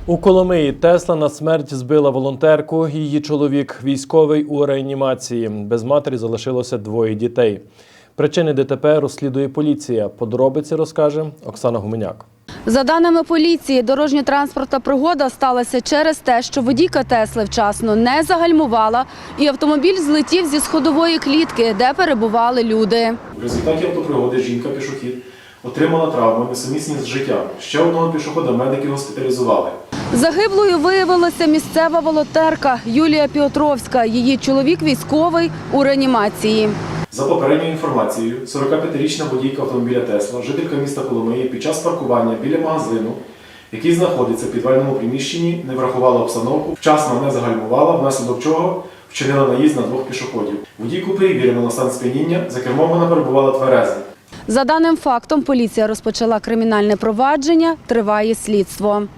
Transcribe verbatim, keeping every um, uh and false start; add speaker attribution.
Speaker 1: У Коломиї Тесла на смерть збила волонтерку. Її чоловік військовий у реанімації. Без матері залишилося двоє дітей. Причини ДТП розслідує поліція. Подробиці розкаже Оксана Гуменяк.
Speaker 2: За даними поліції, дорожньо-транспортна пригода сталася через те, що водійка Тесли вчасно не загальмувала і автомобіль злетів зі сходової клітки, де перебували люди.
Speaker 3: В результаті автопригоди жінка-пішохід отримала травми, несумісні з життям. Ще одного пішохода медики госпіталізували.
Speaker 2: Загиблою виявилася місцева волонтерка Юлія Піотровська. Її чоловік військовий у реанімації.
Speaker 3: За попередньою інформацією, сорокап'ятирічна водійка автомобіля Тесла, жителька міста Коломиї, під час паркування біля магазину, який знаходиться в підвальному приміщенні, не врахувала обстановку, вчасно не загальмувала, внаслідок чого вчинила наїзд на двох пішоходів. Водійку перевірено на стан сп'яніння, за кермом вона перебувала тверезо.
Speaker 2: За даним фактом, поліція розпочала кримінальне провадження, триває слідство.